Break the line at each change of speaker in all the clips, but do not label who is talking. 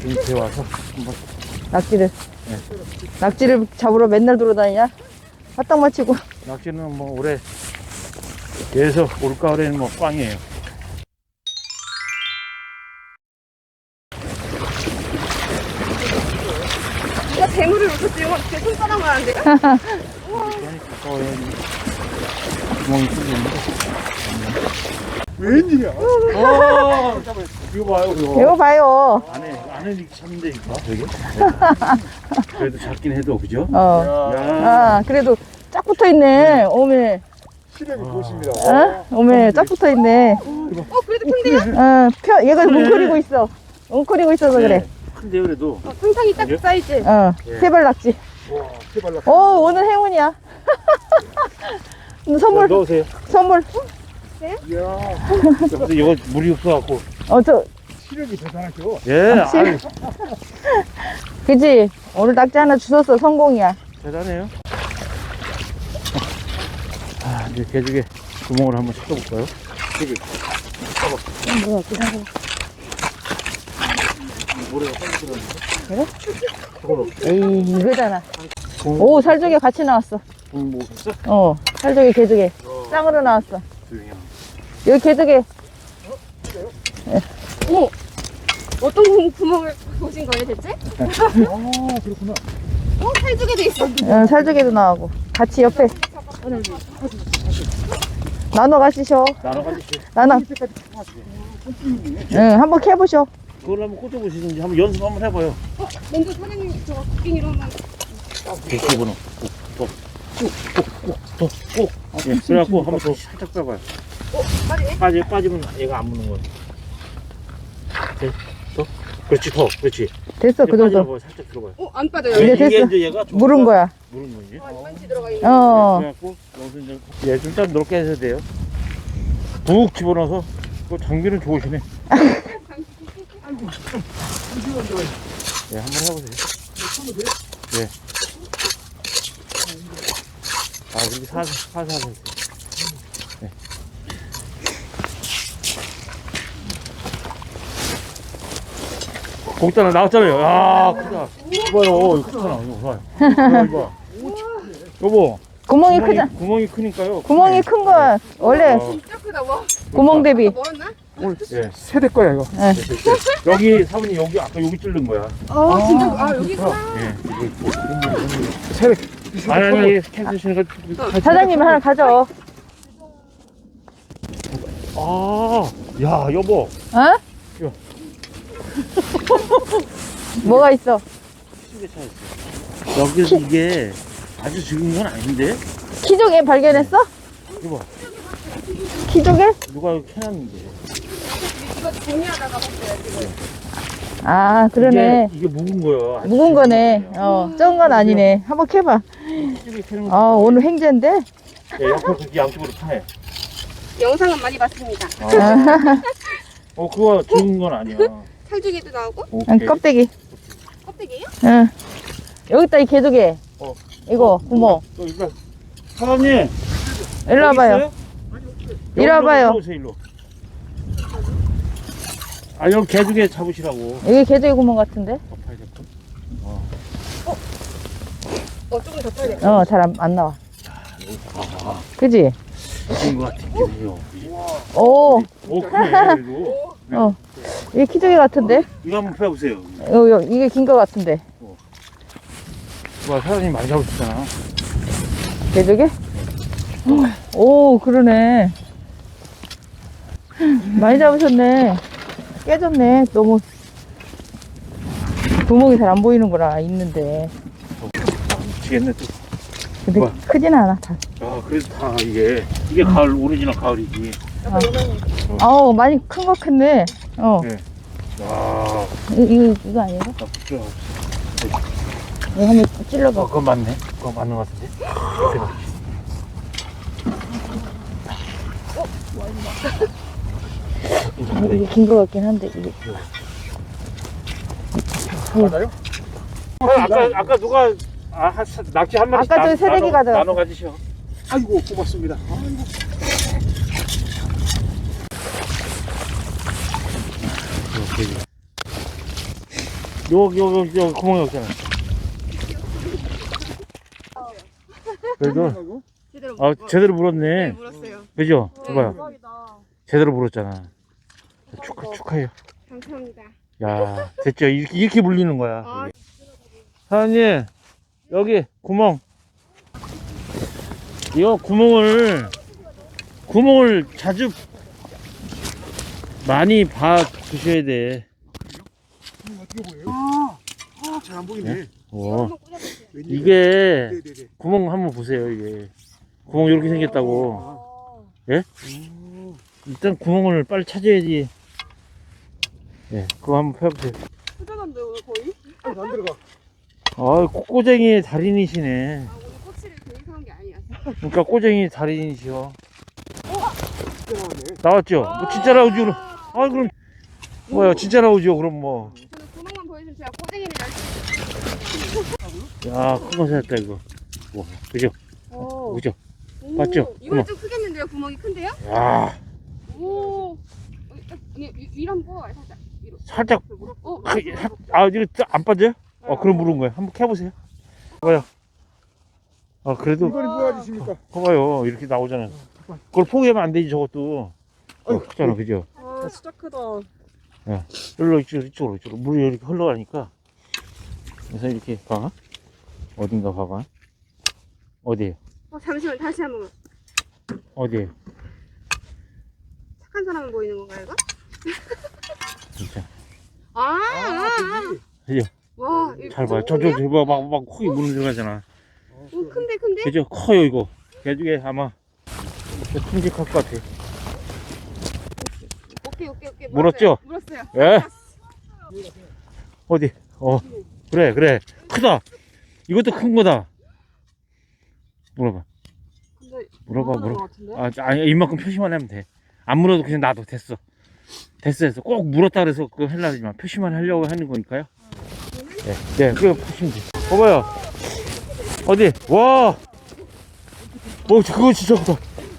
밑에 와서 한번.
낙지를.
네.
낙지를 잡으러 맨날 돌아다니냐? 화딱 마치고.
낙지는 뭐 올해 계속 올가을에는 뭐 꽝이에요.
이거 대물을 놓쳤어요. 어떻게 손가락 말하는데요?
그러니까 구멍이 뚫리는데.
웬일이야?
이거 봐요, 이거.
이거 봐요.
안에 이렇게 찾는데, 이거 되게? 그래도 작긴 해도, 그죠?
어.
야.
아, 그래도 쫙 붙어 있네. 오메.
시력이 좋으십니다.
어? 오메, 쫙 붙어 있네.
그래도 큰데요?
얘가 뭉클이고 있어. 뭉클이고 있어서 그래.
큰데, 그래도.
상상이 딱 그 사이즈.
예.
세발 낙지.
와, 해발라.
오, 오늘 행운이야. 선물,
넣으세요.
선물.
이야,
근데 이거 물이 없어갖고.
시력이 대단하죠?
예, 아유,
그지? 오늘 낙지 하나 주웠어. 성공이야.
대단해요. 아, 이제 개죽에 구멍을 한번 씻어볼까요? 여기.
뭐야, 그냥.
모래가 빨리 들어갔는데?
그래?
저걸로.
에이, 이거잖아. 오, 살조개 같이 나왔어.
뭐 있어?
살조개, 개조개. 짱으로 나왔어.
조용히 하고.
여기 개조개.
어머! 어떤 구멍을 보신 거예요, 대체?
아, 그렇구나.
살쪽에 돼 있어.
살조개도 나오고. 같이 옆에. 나눠 가시셔.
나눠 가지시.
나눠. 응, 한번 캐보셔.
그걸 한번 꽂아보시든지 한번 연습 한번 해봐요.
먼저 사장님 저 국빙이로만.
이거는 꼭. 예, 그래갖고 한번 더 살짝 빼봐요. 빠지면 얘가 안 무는 거야. 네, 더. 그렇지, 더. 그렇지.
됐어, 그 정도.
빠지라고 살짝 들어봐요.
안 빠져요.
이제 됐어.
이제 얘가 좀
물은 거야.
물은 거지.
반지 들어가 있는.
그래갖고 여기서 이제 예, 좀 넓게 해서 돼요. 푹 집어넣어서 그 장비는 좋으시네. 예, 한번 해보세요. 예. 아, 이렇게 살살 했어요. 네. 거기다 나왔잖아요. 아, 크다. 이봐요, 이거 크잖아. 이거 봐요. 이거. 여보.
구멍이 크잖아.
구멍이 크니까요.
구멍이 큰 거야. 원래
진짜 크다, 와.
구멍 대비.
멀었나?
예.
세대 거야, 이거.
여기 사모님 여기 아까 여기 뚫는 거야.
진짜. 여기구나.
예.
세대.
아니 캔슬시는 거.
사장님이 하나 가져.
아, 야 여보.
어? 뭐가 있어?
시계 차 있어. 여기서 이게 아주 적은 건 아닌데.
키조개 발견했어?
이거 봐.
키조개?
누가 이거 캐놨는데.
이거 정리하다가 봤어요, 지금.
아, 그러네.
이게 묵은 거야. 아주
묵은 거네.
적은 거야.
적은 건 아니네. 한번 캐봐.
시계 캐는
아,
거.
오늘 횡재인데?
예, 옆으로 그렇게 양쪽으로 파네.
영상은 많이 봤습니다.
그거 적은 건 아니야.
살쪽에도 나오고.
오케이.
껍데기.
껍데기예요?
응. 여기다 이 개조개.
어.
이거 구멍.
또 일단 사장님.
일로 와봐요. 이리 와봐요.
오세요, 일로. 아, 여기 개두개 잡으시라고.
여기 개조개 구멍 같은데?
파야 될 거.
조금 더 타야 돼.
잘 안 나와. 그지?
이거 같은 게요.
오,
그래, 이거.
이게 키조개 같은데?
이거 한번 펴보세요.
이게 긴 거 같은데.
와, 사장님 많이 잡으셨잖아.
개조개? 오, 그러네. 많이 잡으셨네. 깨졌네. 너무 구멍이 잘 안 보이는구나. 있는데.
미치겠네, 또.
근데
우와.
크진 않아. 다.
아, 그래도 다 이게 가을, 오리지널 가을이지.
많이 큰 거 컸네.
네. 와,
이거 아니에요?
나쁘죠.
이거 한번 찔러봐.
그거 맞네. 그거 맞는 것 같은데.
이게 긴 거 같긴 한데, 이게.
맞아요?
아까 누가 낙지 한 마리
아까 저기 새내기 가져갔어.
나눠 가지셔.
아이고, 고맙습니다. 아이고.
여기 구멍이 없잖아. 그래도 제대로 물었네.
네, 물었어요.
그죠?
네.
봐요. 제대로 물었잖아. 축하해요.
감사합니다.
야, 됐죠? 이렇게 물리는 거야.
아.
사장님, 여기 구멍. 이거 구멍을 자주 많이 봐 주셔야 돼.
어떻게 보여요? 잘 안 보이네.
네? 오.
한번 꽂아보세요.
이게
네네네.
구멍 한번 보세요. 이게 구멍 이렇게 생겼다고. 예? 일단 구멍을 빨리 찾아야지. 예, 그거 한번 펴보세요.
꽂아간대 오늘 거의?
안 들어가.
아, 꼬쟁이의 달인이시네.
아 오늘 꼬치를 계획한 게 아니었어.
그러니까 꼬쟁이 달인이시여.
들어가네.
나왔죠? 뭐 진짜 나오죠? 그럼. 아, 그럼 뭐야? 진짜 나오죠? 그럼 뭐.
저는 구멍만 보여주면 제가 꼬쟁이를 날
야, 큰 거 찾았다 이거. 와, 그죠?
오.
그죠?
오.
맞죠?
이건
구멍.
좀 크겠는데요? 구멍이 큰데요?
야,
오. 아니 위로 한번 뽑아봐요 살짝. 위로.
살짝.
어.
이거 안 빠져요? 그럼 물은 거예요. 한번 캐보세요. 봐요. 그래도
이거는 도와주십니까?
봐봐요. 이렇게 나오잖아요. 그걸 포기하면 안 되지 저것도. 크잖아, 그죠?
아 진짜 크다.
이쪽으로. 물이 이렇게 흘러가니까. 그래서 이렇게 봐. 어딘가 봐봐. 어디에요?
잠시만 다시 한번.
어디에요?
착한 사람은 보이는 건가요 이거?
진짜.
아.
그죠?
와. 이거
잘 봐요.
구멍이야?
막 콕이 물은 들어가잖아.
오 큰데?
그죠? 커요, 이거. 개중에 아마 큼직할 것 같아.
오케이.
물었죠?
물었어요.
예? 어디? 그래. 크다. 이것도 큰 거다. 물어봐. 아니, 이만큼 표시만 하면 돼. 안 물어도 그냥 놔둬. 됐어. 꼭 물었다 그래서 그거 하려고 하지 마. 표시만 하려고 하는 거니까요. 네, 그거 보시면 돼. 봐봐요. 어디? 와! 그거 진짜 크다.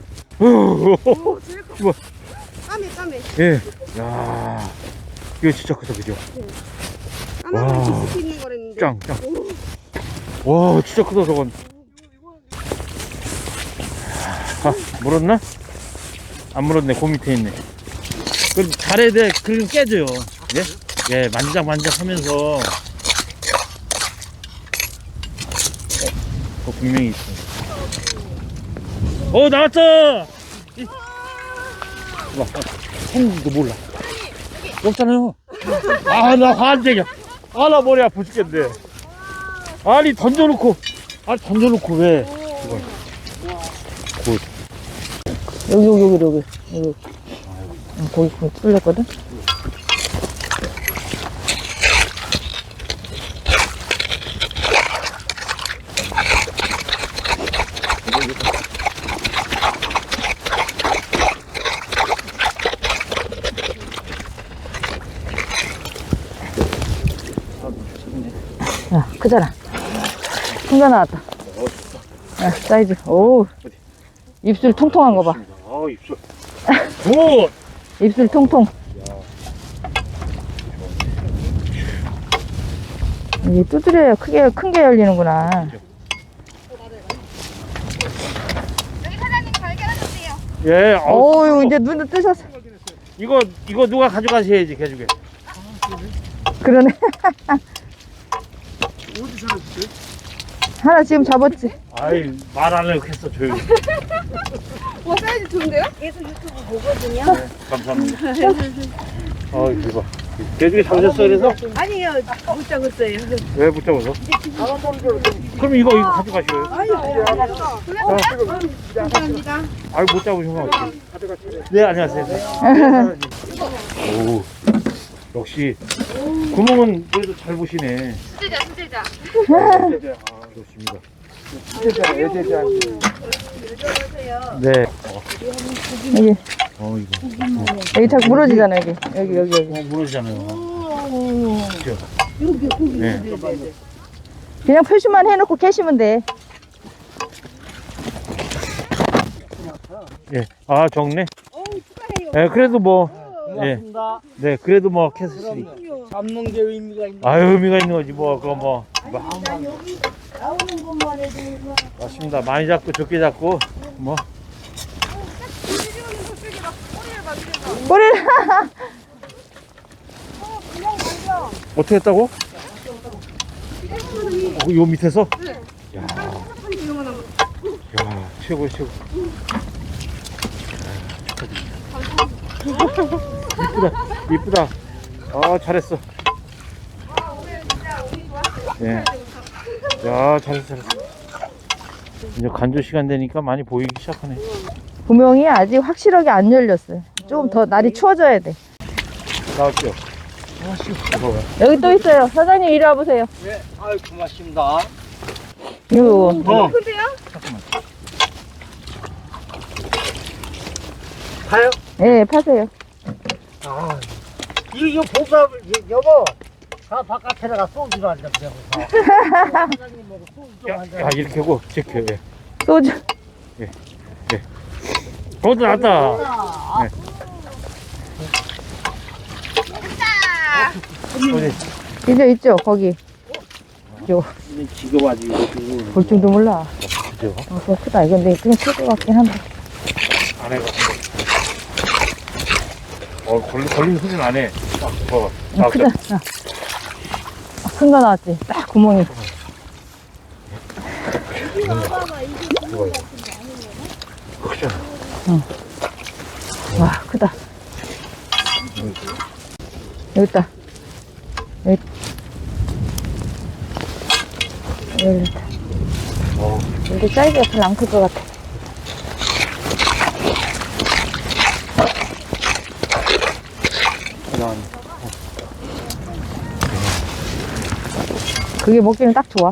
오 제일 커.
이거.
까매.
예. 야, 이거 진짜 크다, 그죠?
까마귀
와.
뒤집혀 있는 거랬는데.
짱.
오.
와, 진짜 크다, 저건. 물었나? 안 물었네, 그 밑에 있네. 그럼 잘해야 돼. 그럼 깨져요. 예? 예, 만지작 하면서. 그거 분명히 있어. 나왔어! 했는지도 몰라. 없잖아요. 나 환장이야. 나 머리 아파 죽겠네. 아니, 던져놓고 왜? 이걸.
여기. 거기 뚫렸거든? 야, 크잖아. 큰 거 나왔다. 야, 사이즈. 오. 입술 통통한 거 봐.
입술. 굿!
입술 통통. 이게 두드려야 큰 게 열리는구나.
여기 사장님 발견하셨대요.
예,
어유 이제 눈도 뜨셨어.
이거 누가 가져가셔야지, 개죽에.
그러네.
어디 살았어요?
하나 지금 잡았지.
아이, 말 안 하려고 했어, 조용히.
와 사이즈 좋은데요?
감사합니다. 이거 봐. 개죽에 잡으셨어, 그래서?
아니요, 못 잡았어요.
왜 못 잡아서? 그럼 이거 가져가시고요.
감사합니다.
못 잡으셔서 어떡해. 네, 안녕하세요. 오, 역시 구멍은 그래도 잘 보시네.
수제자.
좋습니다.
예제자.
네.
여기
이거.
여기 자꾸 무너지잖아 여기.
무너지잖아요. 그렇죠? 네.
그냥 표시만 해놓고 캐시면 돼.
예. 적네. 예, 그래도 뭐. 예. 네, 그래도 뭐 캐스으니까.
잡는 게 의미가 있는
아유, 의미가 있는 거지, 뭐, 그거 뭐.
난 여기 나오는 것만 해도
맞습니다. 많이 잡고, 적게 잡고, 뭐.
꼬리를.
어떻게 했다고? 요 밑에서? 야, 야, 최고야, 최고. 이쁘다, 이쁘다. 아, 잘했어. 예. 야, 잘했어, 잘했어. 이제 간조 시간 되니까 많이 보이기 시작하네.
구멍이 아직 확실하게 안 열렸어요. 조금 더 날이 추워져야 돼.
나왔죠?
여기 또 있어요. 사장님 이리 와보세요.
네, 아유 고맙습니다.
이거
가요?
예, 파세요.
아, 이거 보사 여보. 다 바깥에 나가 소주를 한잔 내고 사. 사장님하고 소주 좀
야,
한잔.
야, 이렇게 하고, 체크, 예.
소주.
그것도 나왔다. 네. 어디?
이제 있죠, 거기. 요,
지금 아직 이거
볼 줄도 몰라.
그죠?
그거 크다. 이건 내 그냥 클 것 같긴 한데.
안 해. 걸리는 소리는 안 해.
크다. 큰 거 나왔지. 딱 구멍이.
크잖아.
와, 크다. 여기 있다. 여기. 여기 있다. 여기 사이즈가 별로 안 클 것 같아. 그게 먹기는 딱 좋아.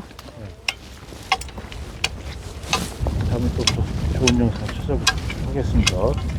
다음에 또 좋은 영상 찾아보도록 하겠습니다.